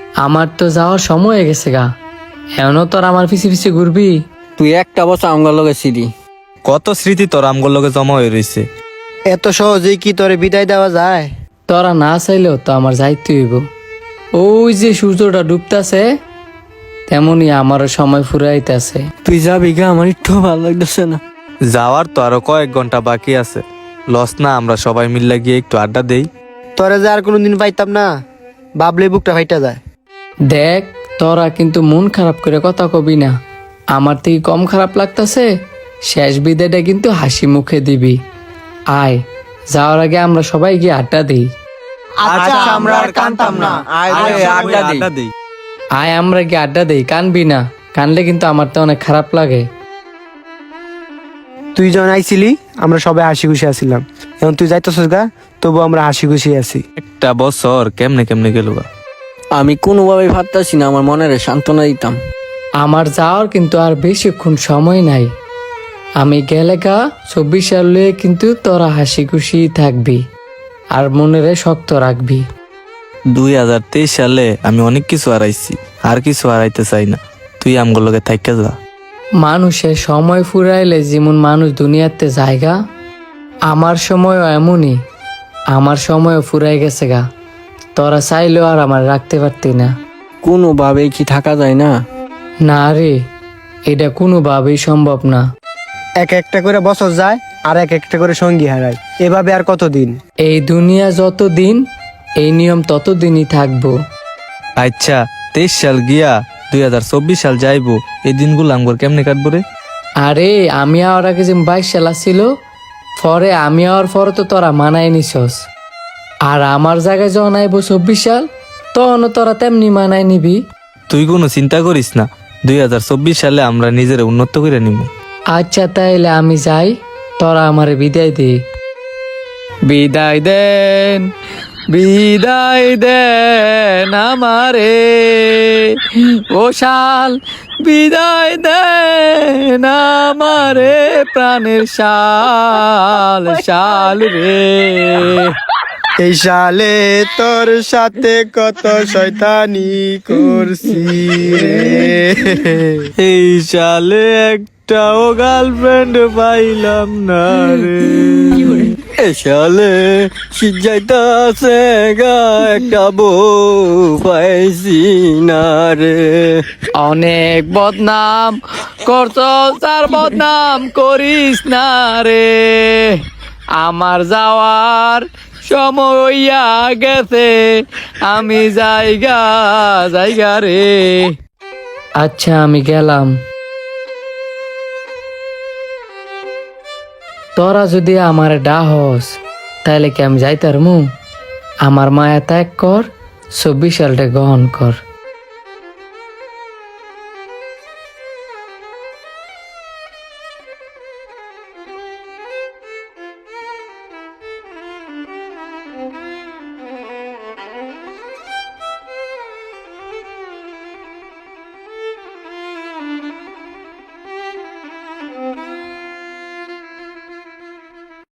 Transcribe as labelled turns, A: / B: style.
A: আমার তো যাওয়ার সময় হয়ে গেছে গা, এখনো তোর আমার পিছে পিছে ঘুরবি?
B: তুই একটা বছর আমগার লগে ছিলি।
C: কত স্মৃতি তোর আমগোর লগে জমা হয়ে রইছে।
D: এত সহজেই কি তোরে বিদায় দেওয়া যায়?
A: তোরা না চাইলেও তো আমার যাইতে হইব। ওই যে সূর্যটা ডুবতাছে, তেমনি আমারও সময় ফুরাইতেছে।
B: তুই যাবি গা, আমার একটু ভালো লাগতেছে না।
C: যাওয়ার তো আরো কয়েক ঘন্টা বাকি আছে। লস না আমরা সবাই মিল্লা গিয়ে একটু আড্ডা দেই?
D: তোরে যে আর কোনোদিন পাইতাম না, ভাবলে বুকটা ফাইটা যায়।
A: দেখ, তোরা কিন্তু মন খারাপ করে কথা কবি না। আমার থেকে কম খারাপ লাগতাছে, শেষ বিদায়টা কিন্তু হাসি মুখে দিবি। আয়, যাওয়ার আগে আমরা সবাই গিয়ে আড্ডা দিই।
D: আচ্ছা, আমরা আর কানতাম না।
C: আড্ডা দেই।
A: আয় আমরা গিয়ে আড্ডা দিই, কানবি না। কানলে কিন্তু আমার তো অনেক খারাপ লাগে।
D: তুই যখন আইছিলি আমরা সবাই হাসি খুশি আছিলাম, এখন তুই যাইতেছিস গা, তবু আমরা হাসি খুশি আছি।
C: একটা বছর কেমনে কেমনে গেল গা।
B: আমি কোনোভাবেই ভাবতেছি না আমার মনের সান্ত্বনা দিতাম।
A: আমার যাওয়ার কিন্তু আর বেশিক্ষণ সময় নাই। আমি গেলে গা 24 সালে কিন্তু তোরা হাসি খুশি থাকবি আর মনেরে শক্ত রাখবি।
C: 2023 সালে আমি অনেক কিছু হারাইছি, আর কিছু হারাইতে চাই না। তুই আমগোর লগে থাইকা যা।
A: মানুষের সময় ফুরাইলে যেমন মানুষ দুনিয়াতে জায়গা, আমার সময়ও এমনই। আমার সময়ও ফুরাই গেছে গা, তোরা চাইলেও আর আমার রাখতে পারতি না।
B: কোনোভাবেই কি থাকা যায় না?
A: না রে, এটা কোনোভাবেই সম্ভব না।
D: এক একটা করে বছর যায় আর এক একটা করে সঙ্গী হারায়, এভাবে আর কতদিন?
A: এই দুনিয়া যতদিন, এই নিয়ম ততদিনই থাকবো।
C: আচ্ছা, 23 সাল গিয়া 2024 সাল যাইবো, এই দিনগুলো আমগোর কেমনে কাটবো রে?
A: আরে আমি আর আগে যে 22 সাল ছিল, পরে আমি আর পরে তো তোরা মানায় নিছস। আর আমার জায়গায় যখন আইব 24 সাল, তখনও তোরা তেমনি মানায় নিবি।
C: তুই কোনো চিন্তা করিস না, 2024 সালে আমরা নিজের উন্নত করে নিব।
A: আচ্ছা তাইলে আমি যাই, তোরা আমারে বিদায় দে। বিদায় দেন, বিদায় দেন আমারে ও শাল, বিদায় দেন আমারে প্রাণের শাল, শাল রে।
D: এই সালে তোর সাথে কত শয়তানি করছি রে।
C: এই সালে একটাও গার্লফ্রেন্ড পাইলাম না রে।
B: এই সালে শীত যাইতাছে গা, একটা বউ পাইছি না রে।
A: অনেক বদনাম করছস, আর বদনাম করিস না রে। আমার যাওয়ার সময় হইয়া গেছে, আমি জায়গা জায়গা রে। আচ্ছা আমি গেলাম। তোরা যদি আমার ডাহস, তাইলে কি আমি যাইতারমু? আমার মায়া ত্যাগ কর, 24 সালটা গ্রহণ কর।